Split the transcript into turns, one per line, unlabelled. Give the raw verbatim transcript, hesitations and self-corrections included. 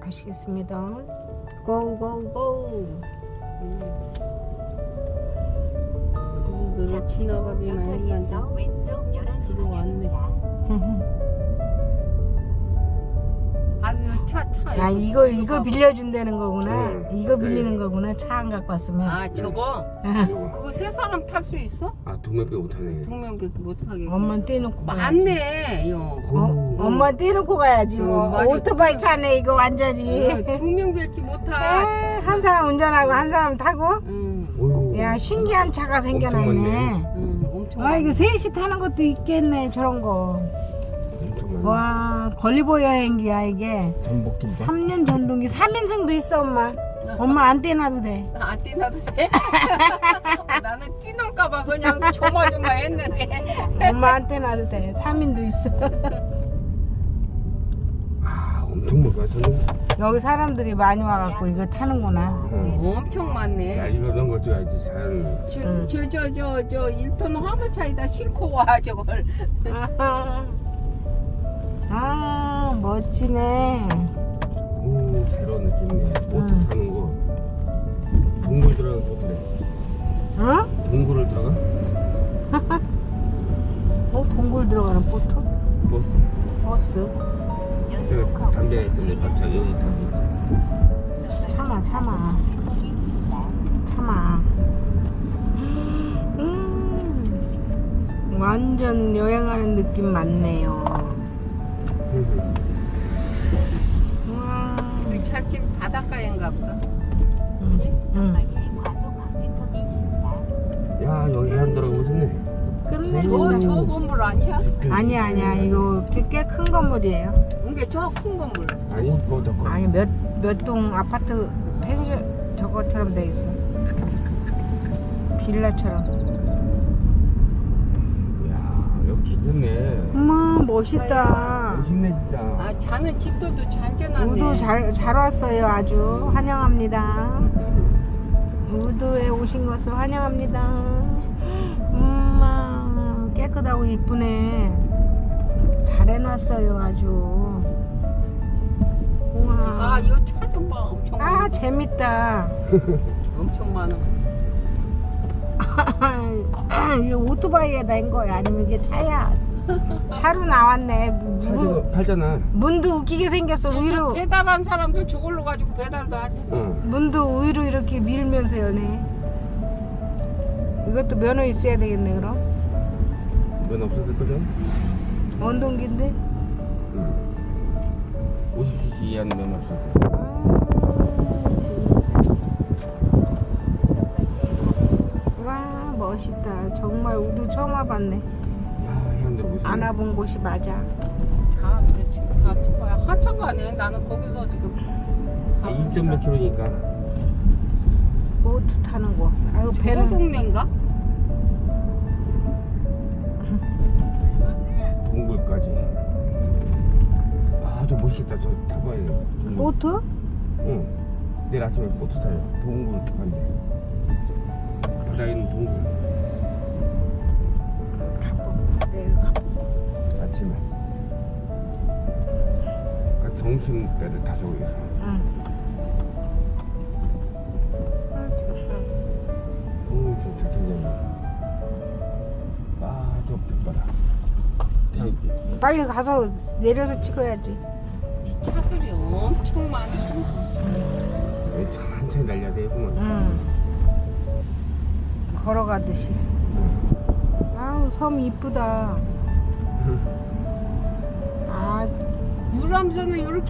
가시겠습니다. 고고고.
너를 지나가기만 했는데
왼쪽 열한 시
들어왔네. 아유 차차
아 이거 이거 빌려준다는 거구나.
응.
이거 빌리는 거구나. 차 안 갖고 왔으면.
아 저거
이거.
그거 세 사람 탈 수 있어?
아 동명배 못하네.
동명배 못하게
엄마 떼놓고 가야지.
많네 요
어, 엄마 떼놓고 가야지.
응,
뭐.
많이
오토바이 차네 이거 완전히.
동명배끼
에,
못타
한 사람 운전하고 한 사람 타고.
응,
어이구.
야 신기한 차가
엄청
생겨났네.
많네.
응, 엄청
아 이거
많네.
셋이 타는 것도 있겠네 저런 거.
엄청 많네.
와 걸리보 여행기야 이게.
전복 김밥.
삼 년 전동기 삼 인승도 있어 엄마. 엄마 안 떼놔도 돼.
안 뛰나도 돼? 나는 뛰놀까봐 그냥 조마조마했는데
엄마 안 떼놔도 돼. 삼 인도 있어.
아 엄청 먹어 저는.
여기 사람들이 많이 와갖고 이거 타는구나.
응.
엄청
야
많네.
이런 거 찍어야지 잘.
응.
저 저 저 저 일 톤 화물차에다 싣고 와 저걸.
아하. 아 멋지네.
오 새로운 느낌이네. 보트
응.
타는 거. 동굴 들어가는 보트래.
어?
동굴을 들어가?
어 동굴 들어가는 보트?
버스.
버스?
제가 담배 있던데 박차 여기 담배 있어.
참아 참아 참아. 음, 완전 여행하는 느낌 많네요. 우와.
우리 차집 바닷가인가 보다.
응.
전방에 과속 방지턱이 있습니다.
야 여기 해안 들어가 보셨네.
끝내.
저 저 건물 아니야?
아니야 아니야 이거 꽤 큰 건물이에요.
이게 저 큰 건물.
아니 그거 더 커.
아니 몇 몇 동 아파트 펜션 저것처럼 돼 있어. 빌라처럼.
야 여기 괜찮네.
어머 멋있다.
멋있네 진짜.
아 자는 집들도 잘 지어놨네.
우도 잘, 잘 왔어요. 아주 환영합니다. 우도에 오신 것을 환영합니다. 엄마 깨끗하고 이쁘네. 잘 해놨어요. 아주. 우와.
아이 차 좀 봐. 엄청
아
많아.
재밌다.
엄청 많아.
이게 오토바이에 낸 거야? 아니면 이게 차야? 차로 나왔네. 무-
차도 팔잖아.
문도 웃기게 생겼어.
저- 저
위로
배달한 사람들 저걸로 가지고 배달도 하지.
응.
문도 위로 이렇게 밀면서 여네. 이것도 면허 있어야 되겠네 그럼.
면 없어도 거든.
원동기인데.
응. 오십 씨씨 이하는 면 없어.
와 멋있다. 정말 우도 처음 와봤네.
야 해안 들어보시네.
안 와본 곳이 맞아.
다 그렇지. 다 초파야. 한참 가네. 나는 거기서 지금.
이 점 몇 킬로니까.
보트 타는 거. 아유
저
배는
동네인가?
동굴까지. 아 저 멋있겠다. 저 타봐야 돼.
보트?
응. 내일 아침에 보트 타요. 동굴 간대. 바다에 있는 동굴.
가보. 내일 가보.
아침에. 그러니까 점심 때를 타서 위해서.
응.
아 좋다.
오 진짜 굉장히. 아저 빛바다. 태양빛.
빨리 가서 내려서 찍어야지.
이 차들이 엄청 많아.
왜 천천히 달려야 되구만.
응. 걸어가듯이. 아우 섬 이쁘다. 아
유람선은 이렇게.